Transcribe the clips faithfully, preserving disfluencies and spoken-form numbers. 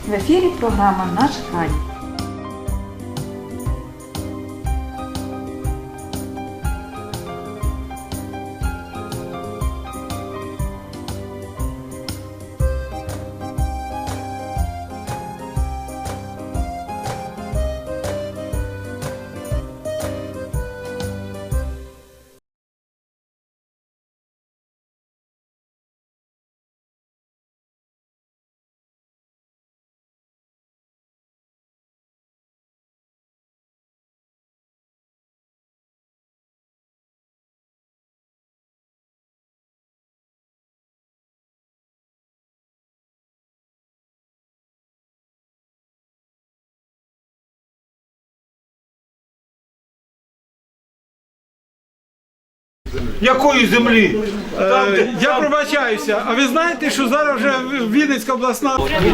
В ефірі програма «Наш край». Якої землі? Там, е, я там... пробачаюся, а ви знаєте, що зараз вже Вінницька обласна...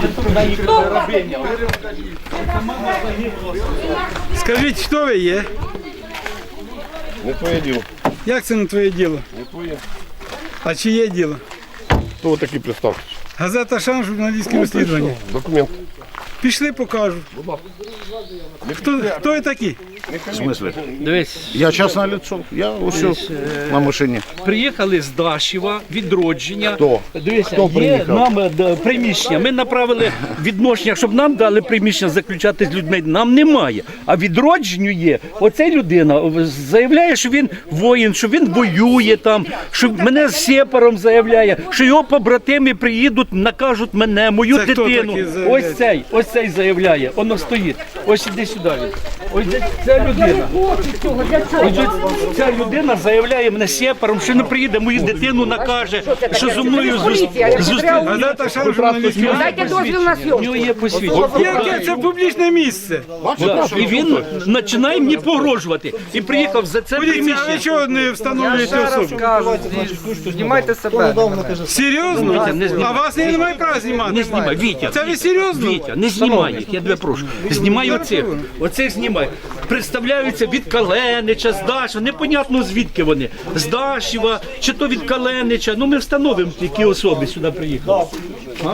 Скажіть, хто ви є? Не твоє діло. Як це не твоє діло? Не твоє. А чиє діло? Хто ви такий представ? Газета «Шан», журналістське розслідування. Документ. Пішли, покажу. Хто, хто ви такі? В смысле? Дивись, Я частное лицо. Я усе на машині. приїхали з Дашева, відродження. Хто? Дивися, Хто є приїхав? нам е, д- приміщення. Ми направили відношення, щоб нам дали приміщення заключати з людьми. Нам немає. А відродженню є. Оця людина заявляє, що він воїн, що він воює там, що мене з сепаром заявляє, що його побратими приїдуть, накажуть мене, мою Це хто дитину. такий заявляє? Ось цей, ось цей заявляє. Воно стоїть. Ось іди сюди. він. Ось ця- ця людина. Ось ця людина заявляє мене сепаром, що не приїде, мою дитину накаже, що зі мною зустріти. Газета «Шан», журналістське Дайте дозвіл на У зйомку. нього є посвідчення. Яке це публічне місце? Да. І він починає мені погрожувати. І приїхав за це Поліція, а ви приміщення. чого не встановлюєте особу? Знімайте себе. Серйозно? не знімай. А вас не немає права знімати? Не знімай, Вітя. Це ви серйозно? Вітя, не знімай їх, я тебе прошу. Знімай оцих. Оцих знімай. Представляються від Каленича, з Дашева. Непонятно звідки вони. З Дашева, чи то від Каленича. Ну ми встановимо, які особи сюди приїхали. А?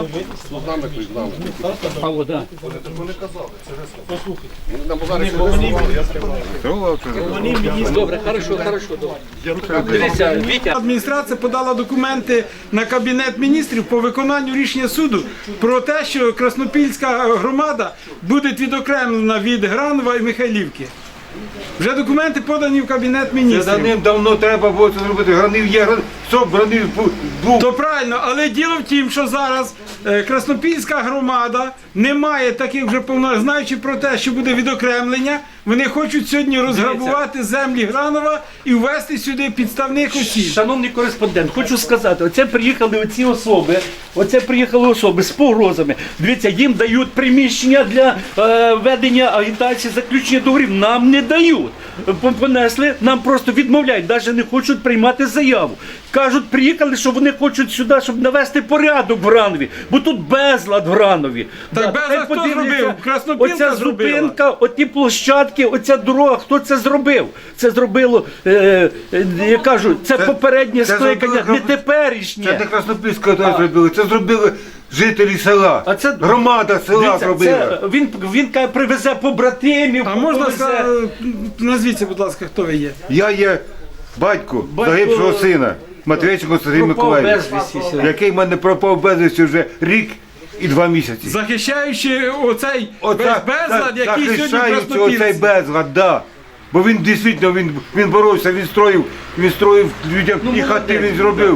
А, о, да. Добре, хорошо, хорошо. Добре. Дивіться, Вітя. Адміністрація подала документи на Кабінет міністрів по виконанню рішення суду про те, що Краснопільська громада буде відокремлена від Гранова і Михайлівки. Вже документи подані в Кабінет Це міністрів. давним-давно треба було це зробити. Гранив є, гранив, стоп, гранив був. То правильно, але діло в тім, що зараз е, Краснопільська громада не має таких вже повно, знаючи про те, що буде відокремлення, вони хочуть сьогодні розграбувати землі Гранова і ввести сюди підставних осіб. Шановний кореспондент, хочу сказати, оце приїхали оці особи, оце приїхали особи з погрозами. Дивіться, їм дають приміщення для е, ведення агітації, заключення договорів. Нам не дають. П- Понесли, нам просто відмовляють, навіть не хочуть приймати заяву. Кажуть, приїхали, що вони хочуть сюди, щоб навести порядок в Гранові, бо тут безлад в Гранові. Так безлад хай хто подивляться, зробив? Краснопілка оця зробила. зупинка, оті площадки, оця дорога, хто це зробив? Це зробило, е, е, я кажу, це, Це- попереднє це скликання, зробило- не теперішнє. Це не Краснопільська то зробили, це зробили жителі села. А це- Громада села Дивіться, зробила. це, він, він каже, привезе побратимів, А можна повезе. сказати, назвіться, будь ласка, хто ви є? Я є батько, Батько- загибшого сина, Матвійченко Сергій Пропав Миколаївич, безвісті. який в мене пропав безвісті вже рік і два місяці. Захищаючи оцей Оце- весь безлад, за- який сьогодні в захищаючи Краснопільці. оцей безлад, да. Бо він дійсно він, він боровся, він строїв, він строїв людям Ну, і хати молодець, він зробив.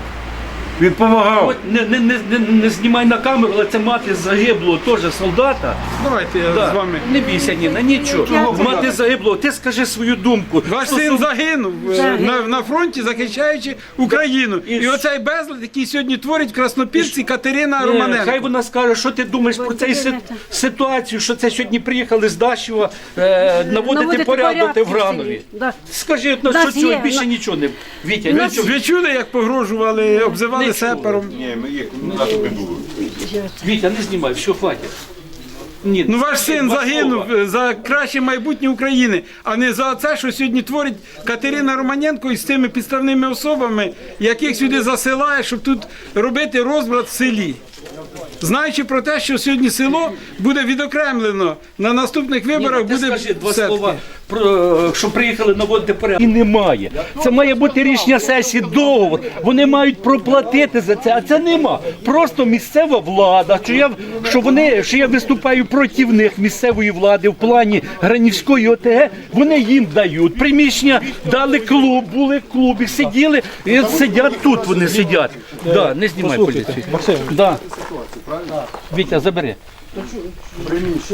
Він допомагав. От не, не, не, не, не знімай на камеру, але це мати загиблого теж солдата. Давайте я Да. з вами. Не бійся, Ніна, нічого. Мати загиблого, ти скажи свою думку. Ваш Стосовно- син загинув е, на, на фронті, захищаючи Україну. І І ж- оцей безлад, який сьогодні творить в Краснопільці Катерина Ні, Романенко. Хай вона скаже, що ти думаєш про цю си- ситуацію, що це сьогодні приїхали з Дашева е, наводити Наводити порядок порядки в Гранові. в селі, да. Скажи, ну, Нас що цього є, більше на- нічого не. Вітя, Ви, нічого. ви чули, як погрожували, обзивали Не сепаром? Ні, ми їх на тобі було. Вітя, не знімай, все, хватить. Ні, Ну ваш син два загинув слова. е, за краще майбутнє України, а не за це, що сьогодні творить Катерина Романенко із тими підставними особами, яких сюди засилає, щоб тут робити розбрат в селі. знаючи про те, що сьогодні село буде відокремлено на наступних виборах, Ти буде скажи два все-таки. слова, про, що приїхали наводити порядок. І немає. Це має бути рішення сесії, договор. Вони мають проплатити за це, а це нема. Просто місцева влада, що я, що вони, що я виступаю проти них, місцевої влади в плані Гранівської ОТГ, вони їм дають. Приміщення дали клуб, були в клубі, сиділи, і от сидять тут, вони сидять. Да, не знімай поліцію. Да. Вітя, забери.